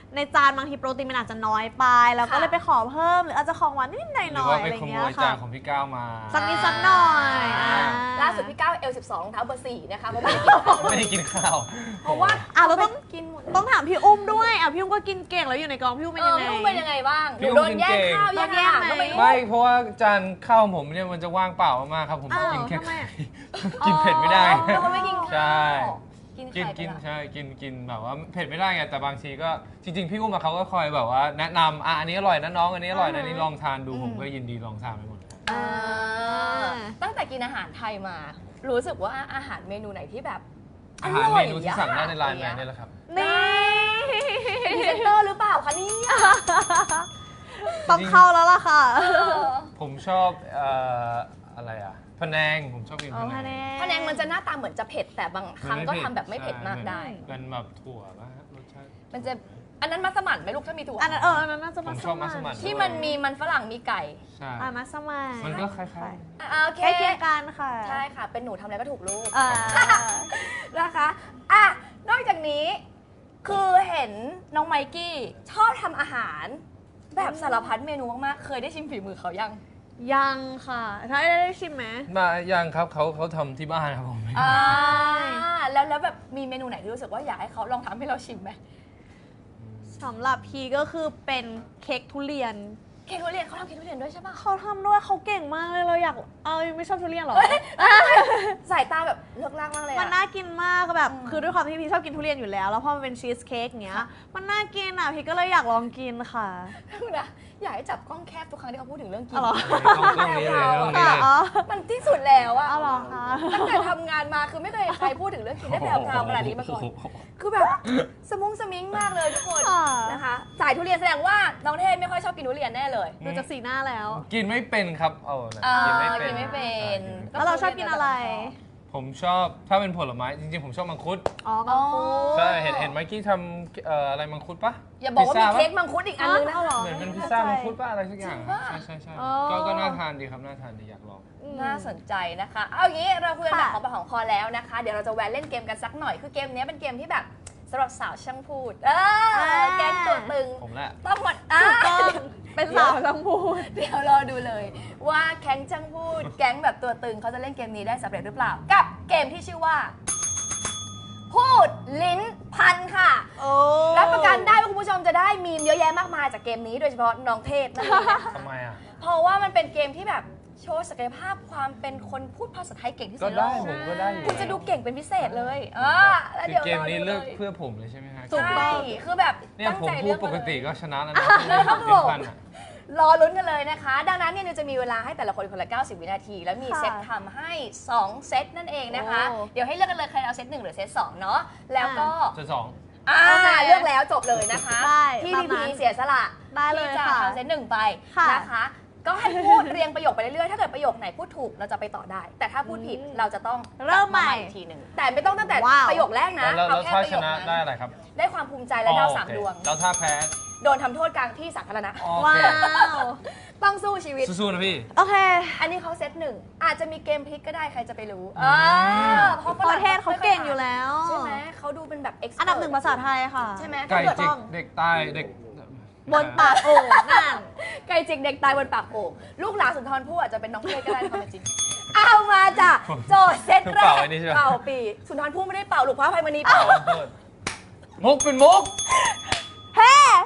[SPEAKER 3] ในจานบางทีโปรตีนมันอาจจะน้อยไปแล้วก็เลยไปขอเพิ่มหรืออาจจะของหวานนิดหน่อย
[SPEAKER 1] ห
[SPEAKER 3] ๆ
[SPEAKER 1] รือว่า
[SPEAKER 3] อะ
[SPEAKER 1] ไป
[SPEAKER 3] ไรอ
[SPEAKER 1] ข
[SPEAKER 3] ย่าง
[SPEAKER 1] โม
[SPEAKER 3] เงี้ย
[SPEAKER 1] ยจา
[SPEAKER 3] ค่ะ
[SPEAKER 1] นของพี่ก้าวมา
[SPEAKER 3] สักนิดสักหน่อย
[SPEAKER 1] อ่า
[SPEAKER 2] ล่าสุดพี่ก้าวเอลสิบสองรองเท้าเบอร์สี่นะคะเพราะไม่ได้กินข้าว
[SPEAKER 1] ไม่ได้กินข้าว
[SPEAKER 2] เพราะว่า
[SPEAKER 3] อ่ะเราต้อง
[SPEAKER 2] กินหมด
[SPEAKER 3] ต้องถามพี่อุ้มด้วยอ่ะพี่อุ้มก็กินเก่งแล้วอยู่ในกองพี่อุ้มเป็น
[SPEAKER 2] เอ
[SPEAKER 3] ยั
[SPEAKER 2] อง
[SPEAKER 3] ไง
[SPEAKER 2] พี่อุ้มเป็นยังไงบ้างห
[SPEAKER 1] พี่
[SPEAKER 2] นู
[SPEAKER 1] อุ้ม
[SPEAKER 2] โดนแย่ง
[SPEAKER 1] กินเก่ง
[SPEAKER 2] ข้าวแย่งอาหารก็ไม่รู้
[SPEAKER 1] ไม่เพราะว่าจานข้าวผมเนี่ยมันจะว่างเปล่ามากๆครับผม
[SPEAKER 3] อ้าว
[SPEAKER 1] กินแค่
[SPEAKER 3] ทำไมอ่ะ
[SPEAKER 1] กินเผ็ดไม่ได้
[SPEAKER 2] อ๋อเป็นคนไม่กินข้าว
[SPEAKER 1] ใช่
[SPEAKER 2] กิน
[SPEAKER 1] กิน
[SPEAKER 2] ไข่
[SPEAKER 1] กิน
[SPEAKER 2] ไปละ
[SPEAKER 1] ใช่กินกินแบบว่าเผ็ดไม่ได้ไงแต่บางทีก็จริง ๆ พี่อุ้มอะเขาก็คอยแบบว่าแนะนำอ่ะอันนี้อร่อยนะน้องอันนี้อร่อยนะอันนี้ลองทานดูผมก็ยินดีลองทานไปหมด
[SPEAKER 2] อ่าตั้งแต่กินอาหารไทยมา รู้สึกว่าอาหารเมนูไหนที่แบบ
[SPEAKER 1] อาหารเมนูที่สั่งได้ในไลน์แมนนี่แหละครับ
[SPEAKER 3] นี่
[SPEAKER 2] เป็นพรีเซนเตอร์หรือเปล่าคะเนี่ย
[SPEAKER 3] ต้องเข้าแล้วล่ะค่ะ
[SPEAKER 2] เออ
[SPEAKER 1] ผมชอบเอ่ออะไรอ่ะพะแนงผมชอบกิน
[SPEAKER 3] เอา
[SPEAKER 1] พะ
[SPEAKER 3] พะ
[SPEAKER 1] แน
[SPEAKER 3] แน
[SPEAKER 1] ง
[SPEAKER 3] ง
[SPEAKER 2] พะแนงมันจะหน้าตาเหมือนจะเผ็ดแต่บางครั้งก็ทำแบบไม่เผ็ดมากได้
[SPEAKER 1] เป็นแบบถั่วป่ะฮะรสชาติ
[SPEAKER 2] มันจะอันนั้นมัสมั่นไหมลูกถ้ามีถั่ว
[SPEAKER 3] อันนั้นเอออันนั้นน่าจะ
[SPEAKER 1] ผ
[SPEAKER 3] มั
[SPEAKER 1] ม
[SPEAKER 3] ส
[SPEAKER 1] ชอบมัสมั่
[SPEAKER 3] มั่
[SPEAKER 1] น
[SPEAKER 3] น
[SPEAKER 2] ที่มันมีมันฝรั่งมีไก่
[SPEAKER 1] ใช่
[SPEAKER 3] อ่ะมัสมั่น
[SPEAKER 1] มันก็คล้าย
[SPEAKER 2] อ่าโอเค
[SPEAKER 3] ใกล้เคียงกันค่ะ
[SPEAKER 2] ใช่ค่ะ เป็นหนูทำอะไรก็ถูกลูก
[SPEAKER 3] อ่า
[SPEAKER 2] นะคะอ่ะนอกจากนี้คือเห็นน้องไมกี้ชอบทำอาหาร แบบสารพัดเมนูมากๆ เคยได้ชิมฝีมือเขายัง
[SPEAKER 3] ยังค่ะถ้าได้ได้ชิมไหม
[SPEAKER 1] ๆมายังครับเขาเขาทำที่บ้านครับผม
[SPEAKER 2] อ่าแล้วแล้วแบบมีเมนูไหนที่รู้สึกว่าอยากให้เขาลองทำให้เราชิมไหม
[SPEAKER 3] สำหรับพีก็คือเป็นเค้กทุเรียน
[SPEAKER 2] เค้กทุเรียนเขาทำเค้กทุเรียนด้วยใช่ปะ
[SPEAKER 3] เขาทำด้วยเขาเก่งมากเลยเราอยากเอาไม่ชอบทุเรียนเหรอ
[SPEAKER 2] สายตาแบบเลือกลากมากเลย
[SPEAKER 3] มัน
[SPEAKER 2] อะ
[SPEAKER 3] น่ากินมากแบบ
[SPEAKER 2] อืม
[SPEAKER 3] คือด้วยความที่พี่ชอบกินทุเรียนอยู่แล้ว แล้วพอมันเป็นชีสเค้กเงี้ย มันน่ากินอ่ะพี่ก็เลยอยากลองกินค่ะ
[SPEAKER 2] นะอยากให้จับกล้องแคบทุกครั้งที่เขาพูดถึงเรื่องกิน
[SPEAKER 3] อ๋อเหรอ
[SPEAKER 1] ต้องต้องนี้เลยต้องนี้
[SPEAKER 3] ค่ะ
[SPEAKER 1] เลย
[SPEAKER 3] อ๋อ
[SPEAKER 2] มันที่สุดแล้วอะ
[SPEAKER 3] เอาเหรอคะ
[SPEAKER 2] ตั้งแต่ทำงานมาคือไม่เคยเห็นใครพูดถึงเรื่องกินได้แพรวๆขนาดนี้มาก่อน คือแบบสมุ้งสมิงมากเลยทุกคน
[SPEAKER 3] ค่ะ
[SPEAKER 2] นะคะสายทุเรียนแสดงว่าน้องเทศไม่ค่อยชอบกินทุเรียนแน่เลย
[SPEAKER 3] ดูจากสีหน้าแล้ว
[SPEAKER 1] กินไม่เป็นครับเอานะ
[SPEAKER 2] อ่า
[SPEAKER 1] กินไม่เป็น
[SPEAKER 2] กินไม่เป็น
[SPEAKER 1] ใช่
[SPEAKER 3] แล้วเราชอบกินอะไร
[SPEAKER 1] ผมชอบถ้าเป็นผลไม้จริงๆผมชอบมังคุด
[SPEAKER 3] อ๋อมังคุด
[SPEAKER 1] ใช่เห็นเห็นไมค์กี้ทำเอ่ออะไรมังคุดปะ
[SPEAKER 2] อย่าบอกว่ามี
[SPEAKER 1] พิซซ่
[SPEAKER 2] เค้ก
[SPEAKER 1] ปะ
[SPEAKER 2] มังคุดอีกอันนึงนะ
[SPEAKER 3] เอาเหรอ
[SPEAKER 1] เหมือนเป็นพิซซ่ามังคุดปะอะไรสักอย่าง
[SPEAKER 2] จริงปะ
[SPEAKER 1] ใช่ใช่ใช่
[SPEAKER 3] อ๋อ
[SPEAKER 1] ก็ก็น่าทานดีครับน่าทานดีอยากลอง
[SPEAKER 3] อืม
[SPEAKER 2] น่าสนใจนะคะ เอาอย่างนี้เราคุยกันแบบ
[SPEAKER 3] ค่ะ
[SPEAKER 2] ของปากของคอแล้วนะคะ เดี๋ยวเราจะแวะเล่นเกมกันสักหน่อย คือเกมนี้เป็นเกมที่แบบสำหรับสาวช่างพูด เออแก๊งตัวตึง
[SPEAKER 1] ผมแหละ
[SPEAKER 2] ต้องหมดอ่ะ
[SPEAKER 3] ถูกต้องเป็นสาวช่างพูด
[SPEAKER 2] เดี๋ยวรอดูเลย ว่าแก๊งช่างพูด แก๊งแบบตัวตึงเขาจะเล่นเกมนี้ได้สำเร็จหรือเปล่า กับเกมที่ชื่อว่า พูดลิ้นพันค่ะ
[SPEAKER 3] โอ้
[SPEAKER 2] รับประกันได้ว่าคุณผู้ชมจะได้มีมเยอะแยะมากมายจากเกมนี้โดยเฉพาะน้องเทพนั่นเองนะคะ
[SPEAKER 1] ทำไมอ่ะ
[SPEAKER 2] เพราะว่ามันเป็นเกมที่แบบโชว์ศักยภาพความเป็นคนพูดภาษาไทยเก่งที่สุ
[SPEAKER 1] ก็
[SPEAKER 2] ดในโล
[SPEAKER 1] ได้
[SPEAKER 2] ก
[SPEAKER 1] ผมก็ได้อยู่
[SPEAKER 2] คุณจะดูเก่งเป็นพิเศษเลยอ่าแล้ว
[SPEAKER 1] คือ
[SPEAKER 2] เดี๋ยว
[SPEAKER 1] เกมนี้
[SPEAKER 2] รดู
[SPEAKER 1] เลือกเพื่อผมเลยใช่ไหมฮะ
[SPEAKER 3] ถูกต้
[SPEAKER 2] ใช่
[SPEAKER 3] อง
[SPEAKER 2] คือแบบ
[SPEAKER 1] เนี่ย
[SPEAKER 2] ตั้ง
[SPEAKER 1] ผม
[SPEAKER 2] ใจ
[SPEAKER 1] พู
[SPEAKER 2] เลื
[SPEAKER 1] ด
[SPEAKER 2] อก
[SPEAKER 1] ป
[SPEAKER 2] มาก เลย
[SPEAKER 1] ติก็ชนะแล้วนะ
[SPEAKER 2] ครับผม
[SPEAKER 1] เป็นพันอะ
[SPEAKER 2] รอลุ้นกันเลยนะคะ ดังนั้นเนี่ยนิวจะมีเวลาให้แต่ละคนคนละเก้าสิบวินาที แล้วมี
[SPEAKER 3] ค่ะ
[SPEAKER 2] เซตทำให้สองเซตนั่นเองนะคะ
[SPEAKER 3] โอ้
[SPEAKER 2] เดี๋ยวให้เลือกกันเลยใครเอาเซตหนึ่งหรือเซตสองเนาะแล้วก็
[SPEAKER 1] จะสอง
[SPEAKER 2] อ่า
[SPEAKER 3] โอเค
[SPEAKER 2] เลือกแล้วจบเลยนะคะ
[SPEAKER 3] ได้
[SPEAKER 2] ที่
[SPEAKER 3] ตา
[SPEAKER 2] พี
[SPEAKER 3] มนั้
[SPEAKER 2] พี
[SPEAKER 3] น
[SPEAKER 2] เสียสละ
[SPEAKER 3] ได้เลย
[SPEAKER 2] ที่จะ
[SPEAKER 3] ค่ะ
[SPEAKER 2] ทำเซตหนึ่งไป
[SPEAKER 3] ค่ะ
[SPEAKER 2] นะคะ ก็ให้พูด เรียงประโยคไปเรื่อยๆ ถ้าเกิดประโยคไหนพูดถูกเราจะไปต่อได้ แต่ถ้าพูดผิด
[SPEAKER 3] อืม
[SPEAKER 2] เราจะต้อง
[SPEAKER 3] เริ่มใหม่
[SPEAKER 2] กลับาอีกทีหนึ่งแต่ไม่ต้องตั้งแต่
[SPEAKER 3] ว้าว
[SPEAKER 2] ประโยคแรกนะ
[SPEAKER 1] แล้วแล้ว
[SPEAKER 2] เอาแค่
[SPEAKER 1] ถ้า
[SPEAKER 2] ประ
[SPEAKER 1] ช
[SPEAKER 2] โยค
[SPEAKER 1] นะ
[SPEAKER 2] นั้น
[SPEAKER 1] ได้อะไรครับ
[SPEAKER 2] ได้ความภูมิใจและดาวสาม
[SPEAKER 1] อ๋อ
[SPEAKER 2] ด
[SPEAKER 1] โอ
[SPEAKER 2] วง
[SPEAKER 1] เคแล้วถ้าแพ้
[SPEAKER 2] โดนทำโทษกลางที่สาธารณะ
[SPEAKER 1] โอ
[SPEAKER 3] ว้า
[SPEAKER 1] เคว
[SPEAKER 2] ต้องสู้ชีวิต
[SPEAKER 1] สู้ๆนะพี่
[SPEAKER 3] โอเค
[SPEAKER 2] อันนี้เขาเซตหนึ่งอาจจะมีเกมพลิกก็ได้ใครจะไปรู้
[SPEAKER 1] อืม
[SPEAKER 2] อ่าเพราะฝ
[SPEAKER 3] ป
[SPEAKER 2] รั่
[SPEAKER 3] ระเทศเขาเก่งอยู่แล้ว
[SPEAKER 2] ใช่ไหมเขาดูเป็นแบบ expert
[SPEAKER 3] อันดับหนึ่งภาษาไทยค่ะ
[SPEAKER 2] ใช่ไหม
[SPEAKER 1] ไก่
[SPEAKER 2] ถ้าเกิด
[SPEAKER 1] จิกเด็กตายเด็ก
[SPEAKER 3] บนปากโอ่งนั่น
[SPEAKER 2] ไก่จิกเด็กตายบนปากโอ่งลูกหลานสุนทรภู่อาจจะเป็นน้องเพลก็ได้ในความเป็นจริง เอามาจ้ะโจทย์เซตแร
[SPEAKER 1] เป่าก ไอ้นี่ใช่ไหม
[SPEAKER 2] เป่าปีสุนทรภู่ไม่ได้เป่าลูกพระอภัยมณีเป่า
[SPEAKER 1] ขอโทษมุกเป็นมุก
[SPEAKER 3] เฮ้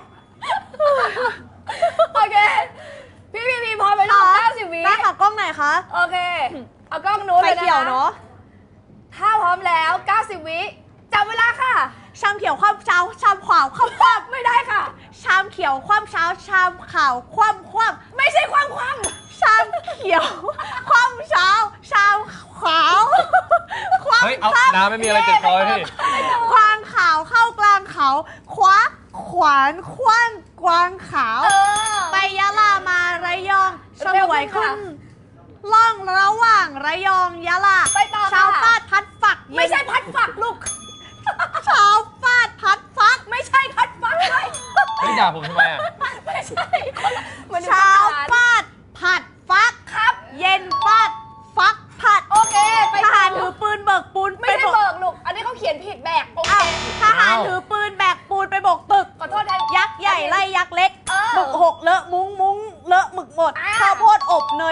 [SPEAKER 2] โอเค พี่พีพีพร้อมไปลูกเก้าสิบวิ
[SPEAKER 3] ได้ค่ะกล้องไหนคะ
[SPEAKER 2] โอเค เอากล้องนู้น
[SPEAKER 3] ไฟ
[SPEAKER 2] เลยนะคะ
[SPEAKER 3] เขียวเนาะ
[SPEAKER 2] ถ้าพร้อมแล้วเก้าสิบวิจับเวลาค่ะ
[SPEAKER 3] ชามเขียวคว่ำเช้าชามขวาวคว่ำคว่ำ
[SPEAKER 2] ไม่ได้ค่ะ
[SPEAKER 3] ชามเขียวคว่ำเช้าชามขาวคว่ำคว่ำ
[SPEAKER 2] ไม่ใช่ความความ
[SPEAKER 3] ชามเขียวคว่ำเช้าชามขาวคว่ำ
[SPEAKER 1] เฮ้ย เอาน้ำไม่มีอะไรติดคอพี่
[SPEAKER 3] ควานขาวเข้ากลางเขาคว้าขวานคว้านกวางขาว
[SPEAKER 2] เออ
[SPEAKER 3] ไปยะลามาระยองส
[SPEAKER 2] เร็ว
[SPEAKER 3] วย
[SPEAKER 2] ขึ้
[SPEAKER 3] ขึ้
[SPEAKER 2] น
[SPEAKER 3] น
[SPEAKER 2] ค่ะ
[SPEAKER 3] ล่องระหว่างระยองยะลา
[SPEAKER 2] ไปต่อค่ะ
[SPEAKER 3] ชาวฟาดพัดฝัก
[SPEAKER 2] ไม่ใช่พัดฝักลูก
[SPEAKER 3] ชาวฟาดพัดฟัก
[SPEAKER 2] ไม่ใช่พัดฝักเลย
[SPEAKER 1] เฮ้ยด่าผมทำไมอ่ะ
[SPEAKER 2] ไม่ใช่คนละมันดู
[SPEAKER 3] ชาว
[SPEAKER 2] ทหาร
[SPEAKER 3] ฟาดผัดฟัก
[SPEAKER 2] ครับ
[SPEAKER 3] เย็นฟาดฟักผัด
[SPEAKER 2] โอเค ไป
[SPEAKER 3] ทหารถือปืนเบิกปูน
[SPEAKER 2] ไม่
[SPEAKER 3] ไป
[SPEAKER 2] ใช่
[SPEAKER 3] บก
[SPEAKER 2] เบิกลูก อันนี้เขาเขียนผิดแบกโอเค
[SPEAKER 3] อ้าวทหารถือปืนแบกปูนไปบกตึก
[SPEAKER 2] ขอโทษแทน
[SPEAKER 3] ย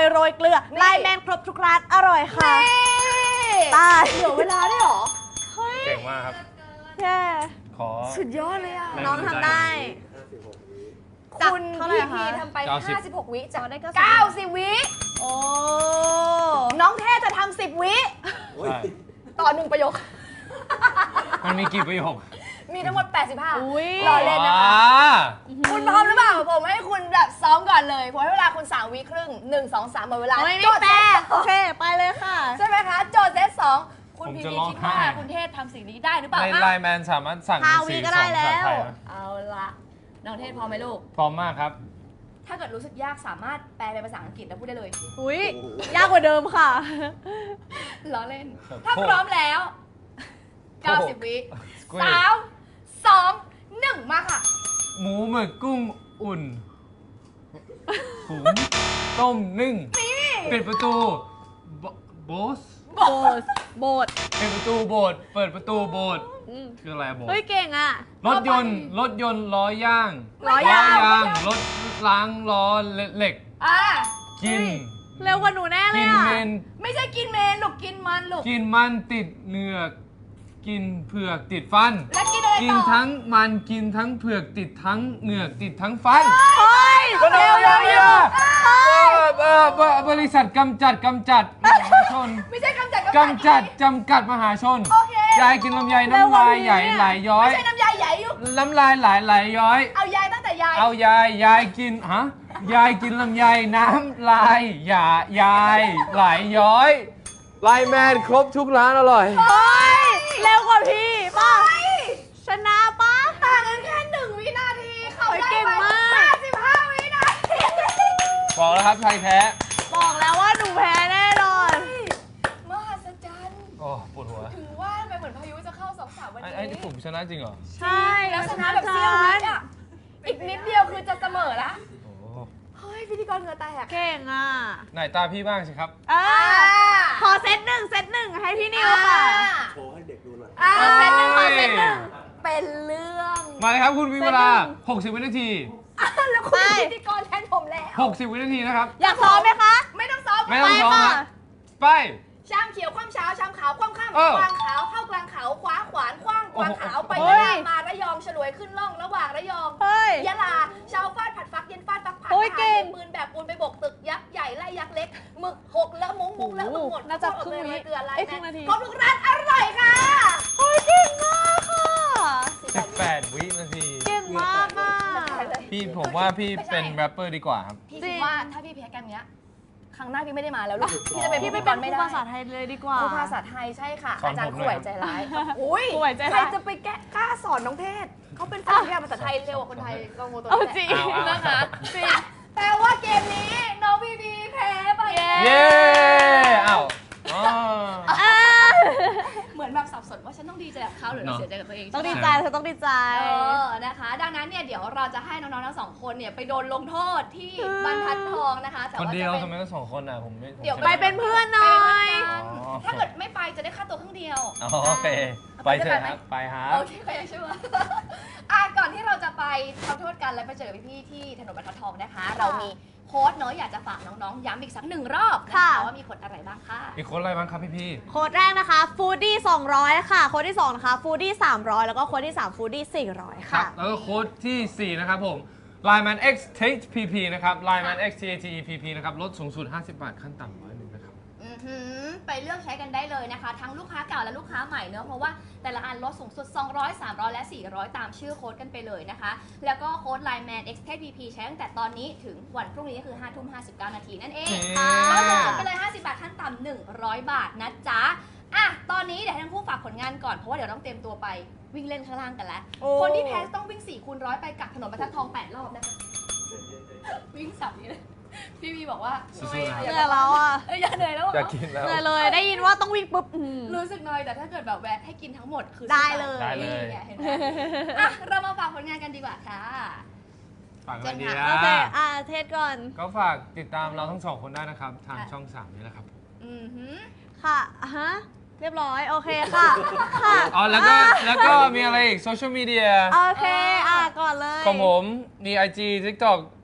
[SPEAKER 3] โรยเกลือไลน์แมนครบทุกร้านอร่อยค่ะ
[SPEAKER 2] นี่
[SPEAKER 3] ตาย
[SPEAKER 2] เหลือเวลาด้วยเหรอ
[SPEAKER 3] เฮ้ย
[SPEAKER 1] เก่งมากครับ
[SPEAKER 3] แย่
[SPEAKER 1] ขอ
[SPEAKER 2] สุดยอดเลยอ่ะ
[SPEAKER 1] แรง
[SPEAKER 3] น้องทำได้
[SPEAKER 2] คุณ
[SPEAKER 3] เท่าไหร่
[SPEAKER 2] พี
[SPEAKER 3] คะ
[SPEAKER 2] พีทำไป
[SPEAKER 1] เก้าสิบ
[SPEAKER 2] ห้าสิบหกวิจาก
[SPEAKER 3] อ๋อได้เก้าสิบ
[SPEAKER 2] เก้าสิบวิ
[SPEAKER 3] โอ้
[SPEAKER 2] น้องเทศจะทำสิบวิ
[SPEAKER 1] ใช่
[SPEAKER 2] ต่อหนึ่งประโยค
[SPEAKER 1] มันมีกี่ประโยค
[SPEAKER 2] มีทั้งหมดแปดสิบห้า
[SPEAKER 3] อุ้ย
[SPEAKER 2] รอเล่นนะคะ
[SPEAKER 1] อ่า
[SPEAKER 2] คุณพร้อมหรือเปล่า ผมให้คุณแบบซ้อมก่อนเลยผมให้เวลาคุณสามวิครึ่งหนึ่ง สอง สามหมดเวลา
[SPEAKER 3] เฮ้ย
[SPEAKER 2] โจ
[SPEAKER 3] ไม่
[SPEAKER 2] ทย์
[SPEAKER 3] แป
[SPEAKER 2] เซ
[SPEAKER 3] ล
[SPEAKER 2] ต
[SPEAKER 3] โอเค ไปเลยค่ะ
[SPEAKER 2] ใช่ไหมคะ โจทย์เซตสองคุณ
[SPEAKER 1] ผม
[SPEAKER 2] พี
[SPEAKER 1] จะ
[SPEAKER 2] พี
[SPEAKER 1] ร้อง
[SPEAKER 2] คิดว่า
[SPEAKER 1] ไห้
[SPEAKER 2] คุณเทศทำสิ่งนี้ได้หรือเปล่า
[SPEAKER 1] ใน
[SPEAKER 2] คะ
[SPEAKER 1] ไลน์แมนสามารถสั่ง
[SPEAKER 3] ห้า
[SPEAKER 1] เป็น
[SPEAKER 3] วิ
[SPEAKER 1] สี
[SPEAKER 3] ก็
[SPEAKER 1] ส
[SPEAKER 3] ได้
[SPEAKER 1] องภา
[SPEAKER 3] แล้
[SPEAKER 1] ษาว ไทยนะ
[SPEAKER 2] เอาละน้องเทศพร้อมไหมลูก
[SPEAKER 1] พร้อมมากครับ
[SPEAKER 2] ถ้าเกิดรู้สึกยากสามารถแปลเป็นภาษาอังกฤษแล้วพูดได้เลย
[SPEAKER 3] อุ้ยยากกว่าเดิมค่ะ
[SPEAKER 2] ล้อเล่น
[SPEAKER 1] ครับ
[SPEAKER 2] ถ้าพร้อมแล้ว
[SPEAKER 1] โอ้โห
[SPEAKER 2] เก้าสิบ วิ
[SPEAKER 1] Squid
[SPEAKER 2] สามสองหนึ่งมาค่ะ
[SPEAKER 1] หมูหมึกกุ้งอุ่นหุงต้มนึ่งปิดประตูโบโบส
[SPEAKER 3] โบสโบส
[SPEAKER 1] ปิดประตูโบสถ์เปิดประตูโบสถ์
[SPEAKER 3] อืม
[SPEAKER 1] คืออะไรโบสถ์
[SPEAKER 3] เฮ้ยเก่งอ่ะ
[SPEAKER 1] รถยนต์รถยนต์ล้อย่าง
[SPEAKER 3] ล้อยาง
[SPEAKER 1] รถล้างล้อเหล็ก
[SPEAKER 2] อ่า
[SPEAKER 1] กิน
[SPEAKER 3] เร็วกว่าหนูแน่เล
[SPEAKER 1] กิ
[SPEAKER 3] ย
[SPEAKER 1] น
[SPEAKER 3] อ่ะ
[SPEAKER 1] เมน
[SPEAKER 2] ไม่ใช่กินเมนลูกกินมันลูก
[SPEAKER 1] กินมันติดเหงือก กินเผือกติดฟัน
[SPEAKER 2] แล้วกินอะไร
[SPEAKER 1] กิน
[SPEAKER 2] ต่อ
[SPEAKER 1] ทั้งมันกินทั้งเผือกติดทั้งเหงือกติดทั้งฟัน
[SPEAKER 3] เฮ้ย
[SPEAKER 1] เร็ว
[SPEAKER 3] เร็ว
[SPEAKER 1] เร็
[SPEAKER 3] เร็
[SPEAKER 1] ว
[SPEAKER 3] ว
[SPEAKER 1] เออเออบริษัทกำจัดกำจัดมหาชน
[SPEAKER 2] ไม่ใช่กำจัด
[SPEAKER 1] กำจัดจำกัดมหาชน
[SPEAKER 2] โอเค
[SPEAKER 1] ยายกินลำไยน้ำลายใหญ่ไหลย้อ
[SPEAKER 2] ไม่
[SPEAKER 1] ย
[SPEAKER 2] ใช่น้ำยาใหญ่ลูก
[SPEAKER 1] น้ำลายไหลไหลย้อย
[SPEAKER 2] เอายายตั้งแต่ยาย
[SPEAKER 1] เอายายยายกินฮะยายกินลำไยน้ำลายอย่ายายไหลย้อยไลน์แมนครบทุกร้านอร่อย
[SPEAKER 3] เฮ้ยเร็วกว่าพี่ป่ะชนะป่ะ
[SPEAKER 2] ต่างกันแค่หนึ่งวินาทีเขา
[SPEAKER 3] เฮ้ย
[SPEAKER 2] ได้
[SPEAKER 3] เก่ง
[SPEAKER 2] ไป
[SPEAKER 3] มาก
[SPEAKER 2] ห้าสิบห้าวินาที
[SPEAKER 1] บอกแล้วครับไทยแท้
[SPEAKER 3] บอกแล้วว่าหนูแพ้แน่นอน
[SPEAKER 2] มหัศจรรย์
[SPEAKER 1] โอ้ปวดหัว
[SPEAKER 2] ถึงว่าทำไมเหมือนพายุจะเข้าสองสามวัน
[SPEAKER 1] ไอ้
[SPEAKER 2] นี้
[SPEAKER 1] ไอ้ที่ผมชนะจริงเหรอ
[SPEAKER 3] ใช่
[SPEAKER 2] แล้วชนะแบบเซี่ยวนิดอ่ะ อีกนิดเดียวคือจะเสมอละ
[SPEAKER 1] โอ้
[SPEAKER 2] เฮ้ยพิธีกรเหงื่อแตก
[SPEAKER 3] เก่งอ่ะ
[SPEAKER 1] ไหนตาพี่บ้างสิครับ
[SPEAKER 3] เออขอเซตหนึ่งเซตหนึ่งให้พี่นิวค่ะ
[SPEAKER 4] โชว์ให้เด็กดูหน่อย
[SPEAKER 2] อ่า
[SPEAKER 3] ขอเซตหนึ่งขอเซตหนึ่ง
[SPEAKER 2] เป็นเรื่อง
[SPEAKER 1] มาเลยครับคุณมีเวลา
[SPEAKER 3] เป็นหนึ่ง
[SPEAKER 1] หกสิบ วินาที
[SPEAKER 2] อ่ะแล้วคุณ
[SPEAKER 3] ไป
[SPEAKER 2] เป็นพิธีกรแทนผมแล้ว
[SPEAKER 1] หกสิบ วินาทีนะครับ
[SPEAKER 3] อยากซ้อมไหมคะ
[SPEAKER 2] ไม่ต้องซ้อม
[SPEAKER 1] ไม่ต้องซ้อม
[SPEAKER 3] ไป
[SPEAKER 1] ค
[SPEAKER 3] ค่ะ
[SPEAKER 1] รับไป
[SPEAKER 2] ชามเขียวคว่ำเช้าชามขาวคว่ำข้าม
[SPEAKER 1] เออ
[SPEAKER 2] กวางขาวเข้ากลางเขาคว้าขวานคว้างกวางขาวไป
[SPEAKER 3] เฮ้
[SPEAKER 2] ยะ
[SPEAKER 3] ย
[SPEAKER 2] ลามาระยองฉลวยขึ้นล่องระหว่างระยอง
[SPEAKER 3] เฮ้ย
[SPEAKER 2] ยะลาเช้าฟาดผัดฟักเย็นฟาดฟักผัด
[SPEAKER 3] โอ้ย
[SPEAKER 2] ทหาร
[SPEAKER 3] เก่ง
[SPEAKER 2] ยิปืนแบบปูนไปบกตึกยักษ์ใหญ่ไล่ยักษ์เล็กหมึกหกแล้วมุ้งมุ้งแล้วมึงหมด
[SPEAKER 3] น่าจะ
[SPEAKER 2] โคต
[SPEAKER 3] ครึ่ง
[SPEAKER 2] เลย
[SPEAKER 3] วิ
[SPEAKER 2] เกลือลาย
[SPEAKER 3] เอ้ย
[SPEAKER 2] แม
[SPEAKER 3] ครึ่งนาที
[SPEAKER 2] ครบทุกร้านอร่อยค่ะ
[SPEAKER 3] เฮ้ยเก่งมากค่ะ
[SPEAKER 1] สิบแปด วินาที
[SPEAKER 3] เก่งมากอ่ะ
[SPEAKER 1] พี่ผมว่าพี่เป็นแรปเปอร์ดีกว่าครับ
[SPEAKER 2] พี่
[SPEAKER 3] จริ
[SPEAKER 2] คิด
[SPEAKER 3] ง
[SPEAKER 2] ว่าถ้าพี่แพ้กันเนี้ยครั้งหน้าพี่ไม่ได้มาแล้วลูกพี่จะเป็น
[SPEAKER 3] พี่
[SPEAKER 2] พิ
[SPEAKER 3] ไป
[SPEAKER 2] ธีก
[SPEAKER 3] เป็น
[SPEAKER 2] ร
[SPEAKER 3] ค
[SPEAKER 2] ไม่
[SPEAKER 3] รู
[SPEAKER 2] ได้
[SPEAKER 3] ภาษาไทยเลยดีกว่า
[SPEAKER 2] ครูภาษาไทยใช่ค่ะ
[SPEAKER 1] สอน
[SPEAKER 2] อาจารย์
[SPEAKER 1] ผม
[SPEAKER 2] ข่
[SPEAKER 1] หน่
[SPEAKER 2] ว
[SPEAKER 1] อย ย
[SPEAKER 2] ใจร้ายอุ้ย
[SPEAKER 3] ข่วยใจร้าย
[SPEAKER 2] ใครจะไปแก้กล้าสอนน้องเทศเขาเป็นฝรั่งที่อ่านภาษาไทยเร็วกว่าคนไทยก็งงตัว
[SPEAKER 3] เอา
[SPEAKER 2] นี้
[SPEAKER 3] จริง
[SPEAKER 1] เอาเอา
[SPEAKER 2] นะคะ
[SPEAKER 3] จริง
[SPEAKER 2] แต่ว่าเกมนี้น้องพีพีแพ้ไป
[SPEAKER 3] เย้
[SPEAKER 1] เย้เอ้าอ๋อ
[SPEAKER 3] อ่ะ
[SPEAKER 2] เหมือนแบบสับสนว่าฉันต้องดีใจกับเขาหรือ
[SPEAKER 1] เนอะ
[SPEAKER 2] เสียใจกับตัวเอง
[SPEAKER 3] ต้องดี
[SPEAKER 2] ใช่ไหม
[SPEAKER 3] ใจเธอต้องดีใจ
[SPEAKER 2] เออ นะคะ ดังนั้นเนี่ยเดี๋ยวเราจะให้น้องๆทั้งสองคนเนี่ยไปโดนลงโทษที่บรรทัดทองนะคะ แต่
[SPEAKER 1] คน
[SPEAKER 2] ว่า
[SPEAKER 1] เดี
[SPEAKER 2] จะ
[SPEAKER 1] ยว
[SPEAKER 2] เป็น
[SPEAKER 1] ทำไมต้องสองคนอ่ะผมไม่ผม
[SPEAKER 2] เดี๋ยว
[SPEAKER 1] ชะ
[SPEAKER 3] ไปเป็นเพื่อนหน่อย
[SPEAKER 1] อ๋อ
[SPEAKER 2] ถ้าเกิดไม่ไปจะได้ค่าตัวครึ่งเดียว
[SPEAKER 1] อ๋อโอเค ไปเถอะครับ ไปครั
[SPEAKER 2] โอบ เคก็ยังเชื่อ อ่ะก่อนที่เราจะไปทำโทษกันและไปเจอพี่ๆที่ถนนบรรทัดทองนะคะ เรามีโค้ดเนาะอยากจะฝากน้องๆย้ำอีกสักหนึ่งรอบนะ
[SPEAKER 3] ค่ะ
[SPEAKER 2] คะว่ามีโค้ดอะไรบ้างค่ะ
[SPEAKER 1] อีกคนอะไรบ้างครับพี่พี่
[SPEAKER 3] โค้ดแรกนะคะ foodie สองร้อยค่ะ โค้ดที่สองนะคะ foodie สามร้อยแล้วก็โค้ดที่สาม foodie สี่ร้อย
[SPEAKER 1] ครั
[SPEAKER 3] ค่ะ
[SPEAKER 1] บ แล้วก็โค้ดที่ สี่ นะครับผม Lineman X Tate พี พี นะครับ Lineman X Tate พี พี นะครับ ลดสูงสุด ห้าสิบบาท ขั้นต่ำร้อยหนึ่งนะครับ
[SPEAKER 2] อือหือไปเลือกใช้กันได้เลยนะคะ ทั้งลูกค้าเก่าและลูกค้าใหม่เนอะเพราะว่าแต่ละอันลดสูงสุด สองร้อย สามร้อย และ สี่ร้อย ตามชื่อโค้ดกันไปเลยนะคะ แล้วก็โค้ด Lineman X Tate พี พี ใช้ตั้งแต่ตอนนี้ถึงวันพรุ่งนี้ก็คือ ห้าทุ่มห้าสิบเก้านาทีนั่นเอง
[SPEAKER 1] ค่ะ
[SPEAKER 2] ลดสูงสุดไปเลย ห้าสิบบาทขั้นต่ำหนึ่งร้อยบาทนะจ๊ะอ่ะตอนนี้เดี๋ยวให้ทั้งคู่ฝากผลงานก่อนเพราะว่าเดี๋ยวต้องเตรียมตัวไปวิ่งเล่นข้างล่างกันแล้ว
[SPEAKER 3] โอ้
[SPEAKER 2] คนที่แพ้ต้องวิ่งสี่คูณร้อยไปกับถนนบรรทัดทองแปดรอบนะคะวิ่งสับนี้เลยพี่วีบอกว่า
[SPEAKER 1] สู้ๆนะ
[SPEAKER 3] เหนื่อยแล้วอ่ะ
[SPEAKER 2] เอ้ยอย่าเหนื่อยแล้วเหรอ
[SPEAKER 1] อยากกินแล้ว
[SPEAKER 3] เหนื่อยเลยได้ยินว่าต้องวิ่งปุ๊บอืม
[SPEAKER 2] รู้สึกน้อยแต่ถ้าเกิดแบบแวะให้กินทั้งหมดคือ
[SPEAKER 3] ได้เลย
[SPEAKER 1] ได้เลย
[SPEAKER 2] นี่ไงเห็นไหมอ่ะเรามาฝากผลงานกันดีกว่าค่ะ
[SPEAKER 1] ฝากอะไรดี
[SPEAKER 2] เจน
[SPEAKER 1] อ่
[SPEAKER 3] โอเค
[SPEAKER 1] ะ
[SPEAKER 3] อ่ะเทสก่อน
[SPEAKER 1] ก็ฝากติดตามเราทั้งสองคนได้นะครับ ทาง
[SPEAKER 2] ค่ะ
[SPEAKER 1] ช่อง สาม นี่แหละครับ
[SPEAKER 2] อือหือ
[SPEAKER 3] ค่ะอ่ะฮะ เรียบร้อย โอเคค่ะ ค่ะ
[SPEAKER 1] อ๋อ แล้วก็
[SPEAKER 3] อ่ะ
[SPEAKER 1] แล้วก็มีอะไรอีกโซเชียลมีเดีย
[SPEAKER 3] โอเค อ่ะ ก่อนเลย
[SPEAKER 1] ของผมมี ไอ จี TikTok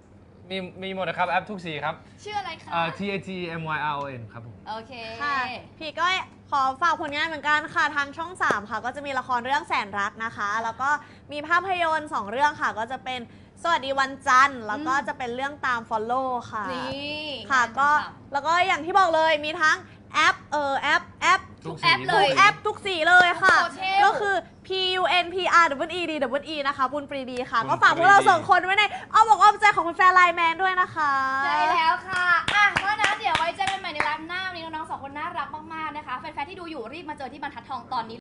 [SPEAKER 1] มีมีหมดนะครับ แอปทุกสีครับ
[SPEAKER 2] ชื่ออะไรคะ
[SPEAKER 1] เอ่อ T A G M Y R O N ครับผม
[SPEAKER 2] โอเค
[SPEAKER 3] ค่ะพี่ก็ขอฝากผลงานเหมือนกันค่ะทางช่องสามค่ะก็จะมีละครเรื่องแสนรักนะคะ แล้วก็มีภาพยนตร์สองเรื่องค่ะ ก็จะเป็นสวัสดีวันจันทร์แล้วก็จะเป็นเรื่องตาม follow ค่ะ
[SPEAKER 2] นี่
[SPEAKER 3] ค่ะ
[SPEAKER 2] งาน
[SPEAKER 3] ก็
[SPEAKER 2] ฉ่ำ
[SPEAKER 3] แล้วก็อย่างที่บอกเลยมีทั้งแอปเออแอปแอป
[SPEAKER 1] ทุก
[SPEAKER 2] แอป
[SPEAKER 1] สี
[SPEAKER 2] เล
[SPEAKER 3] ทุ
[SPEAKER 2] ย
[SPEAKER 3] กแอปทุกสีเลยค่ะ
[SPEAKER 2] โซเชียล
[SPEAKER 3] ก็คือ P U N P R W E D W E นะคะบุญปรีดีค่ะ
[SPEAKER 1] บุญ
[SPEAKER 3] ก็ฝากพวกเรา
[SPEAKER 1] ปรีดี
[SPEAKER 3] สองคนไว้ในอ้อมอกอ้อมใจของแฟนๆไลน์แมนด้วยนะคะ
[SPEAKER 2] ใช่แล้วค่ะ อ่ะ เพราะฉะนั้นเดี๋ยวไว้เจอกันใหม่ในไลฟ์หน้าวันนี้น้องๆสองคนน่ารักมากๆนะคะ แฟนๆที่ดูอยู่รีบมาเจอที่บรรทัดทองตอนนี้